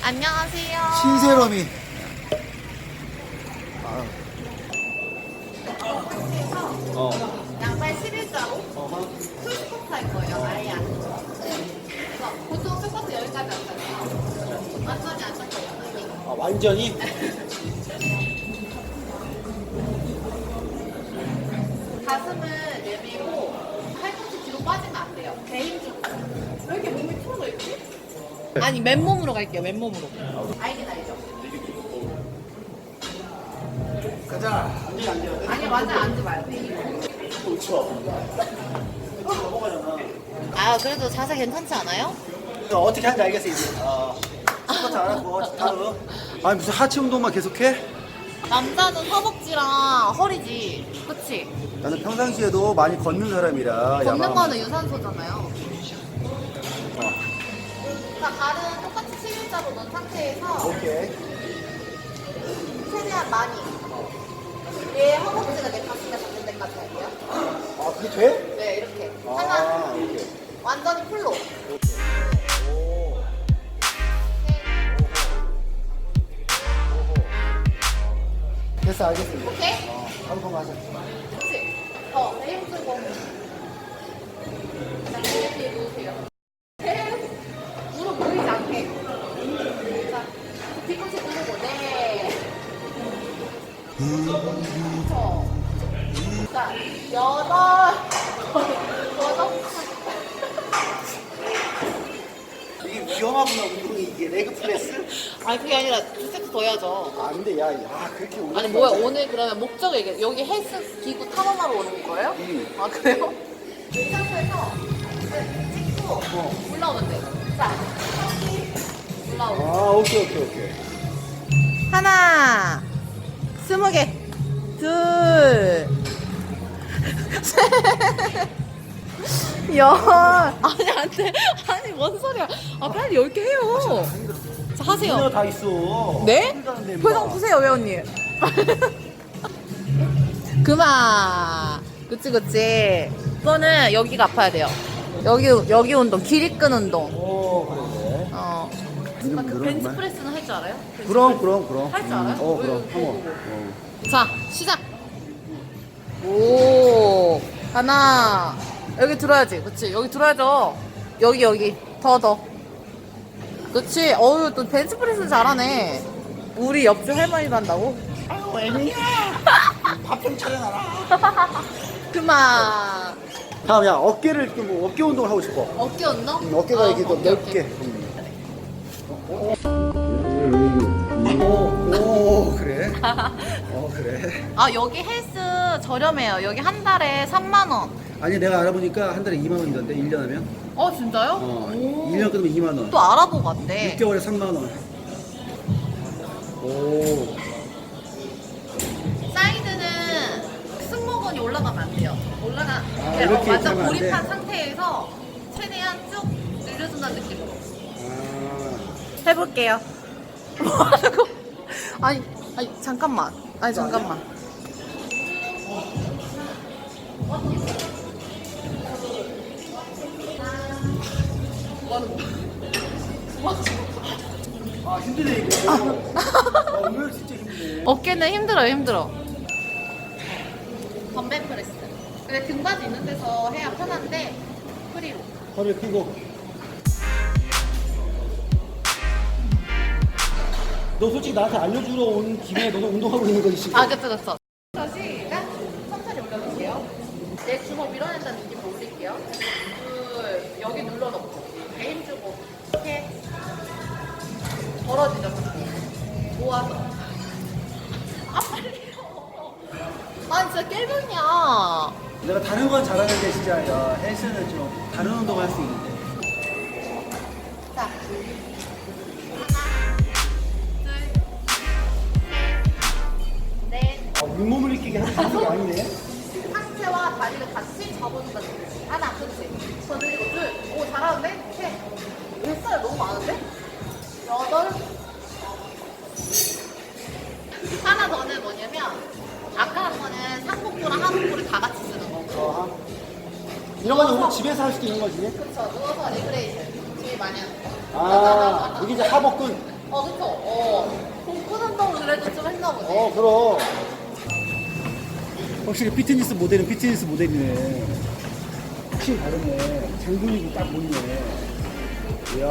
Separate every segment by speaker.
Speaker 1: 안녕하세요.
Speaker 2: 신세롬이.
Speaker 1: 양발 11자로 풀스쿼트 할 거예요. 아예 안. 그래서 보통 스쿼트 여기까지 왔잖아요. 완전히 안 닦여요.
Speaker 2: 아, 완전히?
Speaker 1: 가슴을 내밀고 팔꿈치 뒤로 빠지면 안 돼요. 배 힘주고. 왜 이렇게 몸이 풀어져 있지? 아니 맨몸으로 갈게요. 맨몸으로. 알긴 알죠?
Speaker 2: 가자. 완전히 앉아야 돼.
Speaker 1: 아니 완전 앉지 마요. 배 힘.
Speaker 2: 그렇죠. 넘어가잖아.
Speaker 1: 아 그래도 자세 괜찮지 않아요?
Speaker 2: 이거 어떻게 하는지 알겠어, 이제. 스쿼트 안 하고, 다음. 아니, 무슨 하체 운동만 계속해?
Speaker 1: 남자는 허벅지랑 허리지. 그치?
Speaker 2: 나는 평상시에도 많이 걷는 사람이라.
Speaker 1: 걷는
Speaker 2: 야간.
Speaker 1: 거는 유산소잖아요. 자, 발은 똑같이 11자로 넣은 상태에서
Speaker 2: 오케이.
Speaker 1: 최대한 많이. 얘 허벅지가 내 가슴에 닿는 데까지 할게요.
Speaker 2: 아, 그게 돼?
Speaker 1: 네, 이렇게.
Speaker 2: 아,
Speaker 1: 하나,
Speaker 2: 이렇게.
Speaker 1: 완전히 풀로.
Speaker 2: 오. 됐어, 알겠습니다.
Speaker 1: 오케이?
Speaker 2: 한 번 하자.
Speaker 1: 그치? 더, 배 힘주고. 자, 뒤에 누우세요. 무릎 보이지 않게. 자, 뒤꿈치 누르고, 네. 그쵸? 자, 여덟.
Speaker 2: 이게 위험하구나, 운동이. 이게 레그 프레스?
Speaker 1: 아니, 그게 아니라 두 세트 더 해야죠.
Speaker 2: 아, 근데 야, 그렇게 올라.
Speaker 1: 아니, 뭐야, 오늘 그러면 목적이 이게, 여기 헬스 기구 탐험하러 오는 거예요? 아, 그래요? 이 상태에서 찍고 올라오면 돼. 자, 올라오고.
Speaker 2: 아, 오케이.
Speaker 1: 하나, 20개, 둘, 셋, 열. 아니, 안 돼. 아니, 뭔 소리야. 아, 빨리 10개 해요. 자, 하세요.
Speaker 2: 다 있어.
Speaker 1: 네?
Speaker 2: 어디 가는데,
Speaker 1: 표정
Speaker 2: 임마.
Speaker 1: 보세요, 회원님. 그만. 그치. 이거는 여기가 아파야 돼요. 여기 운동, 길이끈 운동.
Speaker 2: 오, 그래.
Speaker 1: 그 벤치프레스는 할 줄 알아요?
Speaker 2: 그럼.
Speaker 1: 할 줄 알아요?
Speaker 2: 그럼. 한번.
Speaker 1: 자, 시작. 오, 하나. 여기 들어야지. 그치. 여기 들어야죠. 여기. 더. 그치. 어유, 또 벤치프레스 잘하네. 우리 옆집 할머니도 한다고?
Speaker 2: 아유, 애미야. 밥 좀 차려놔라.
Speaker 1: 그만.
Speaker 2: 다음, 야, 어깨를, 뭐, 어깨 운동을 하고 싶어.
Speaker 1: 어깨 운동?
Speaker 2: 어깨가 이렇게 더
Speaker 1: 오케이,
Speaker 2: 넓게.
Speaker 1: 오케이.
Speaker 2: 오, 그래? 그래.
Speaker 1: 아, 여기 헬스 저렴해요. 여기 한 달에 3만원.
Speaker 2: 아니, 내가 알아보니까 한 달에 2만 원이던데, 1년 하면?
Speaker 1: 진짜요?
Speaker 2: 어,
Speaker 1: 오.
Speaker 2: 1년 끊으면 2만 원.
Speaker 1: 또 알아보고 왔대.
Speaker 2: 6개월에 3만 원. 오.
Speaker 1: 사이드는 승모근이 올라가면 안 돼요.
Speaker 2: 이렇게
Speaker 1: 완전
Speaker 2: 하면 안
Speaker 1: 고립한
Speaker 2: 돼?
Speaker 1: 상태에서 최대한 쭉 늘려준다는 느낌으로.
Speaker 2: 아.
Speaker 1: 해볼게요. 뭐 하는 거? 아니, 잠깐만. 잠깐만.
Speaker 2: 힘드네, 이거. 오늘 진짜 힘드네.
Speaker 1: 어깨는 힘들어. 덤벨 프레스. 근데 등받이 있는 데서 해야 편한데 프리로.
Speaker 2: 허리 펴고. 너 솔직히 나한테 알려주러 온 김에 너도 운동하고 있는 거지, 지금?
Speaker 1: 그쵸. 시작. 천천히 올려볼게요. 내 주먹 밀어낸다는 느낌으로 올릴게요. 둘, 여기 눌러놓고 배 힘주고 이렇게 벌어지죠. 모아서. 빨리요. 진짜 깨병이야.
Speaker 2: 내가 다른 건 잘하는데 진짜 헬스는 좀 다른 운동 할 수 있는데.
Speaker 1: 자, 하나, 둘, 셋, 넷.
Speaker 2: 윗몸을 익히게 하는 게 아니네.
Speaker 1: 상체와 다리를 같이 접어준다는 거지. 하나, 그렇지. 더 늘리고 둘. 오, 잘하는데? 셋. 뱃살 너무 많은데? 여덟. 하나 더는 뭐냐면 아까 한 거는 상복부랑 하복부를 다 같이 쓰는 거고.
Speaker 2: 이런 거는 우리 집에서 할 수도 있는 거지.
Speaker 1: 그쵸. 누워서 리그레이션. 되게 많이 하는 거.
Speaker 2: 여기 이제 하복근.
Speaker 1: 그쵸. 복근운동을 그래도 좀 했나 보네.
Speaker 2: 그럼. 확실히 피트니스 모델은 피트니스 모델이네. 확실히 다르네. 장근육이 딱 보이네. 이야.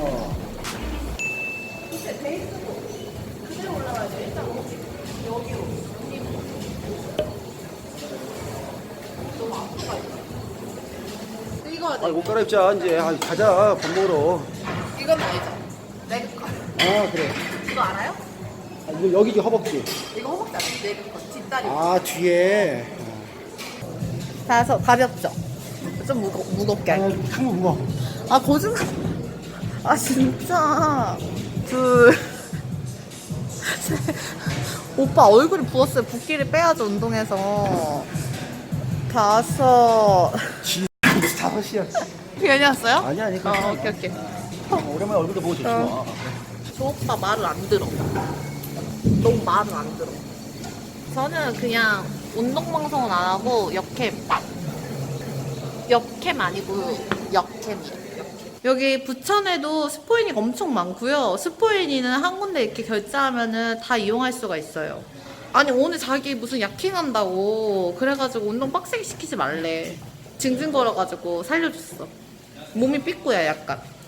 Speaker 1: 근데 베이스도 그대로 올라가야 돼. 일단 여기로. 너무 아프다. 이거
Speaker 2: 아, 옷 갈아입자, 이제. 가자, 밥 먹으러.
Speaker 1: 이건 알죠? 레그 컷.
Speaker 2: 그래.
Speaker 1: 이거 알아요?
Speaker 2: 이거 여기 허벅지.
Speaker 1: 이거 허벅지 아니에요? 레그 컷. 뒷다리.
Speaker 2: 뒤에.
Speaker 1: 가볍죠? 좀 무겁게 할게요.
Speaker 2: 한번 무거워.
Speaker 1: 거짓말. 진짜. 둘. 셋. 오빠 얼굴이 부었어요. 붓기를 빼야죠, 운동해서. 다섯.
Speaker 2: 무슨 5시야.
Speaker 1: 괜히 왔어요?
Speaker 2: 아니, 괜찮아.
Speaker 1: 오케이.
Speaker 2: 오랜만에 얼굴도 보고 좋지 뭐.
Speaker 1: 저 오빠 말을 안 들어. 너무 말을 안 들어. 저는 그냥 운동방송은 안 하고 역캠 아니고 역캠이에요. 여기 부천에도 스포인이가 엄청 많고요. 스포인이는 한 군데 이렇게 결제하면은 다 이용할 수가 있어요. 아니 오늘 자기 무슨 약행한다고 그래가지고 운동 빡세게 시키지 말래. 징징거려가지고 살려줬어. 몸이 삐꾸야 약간.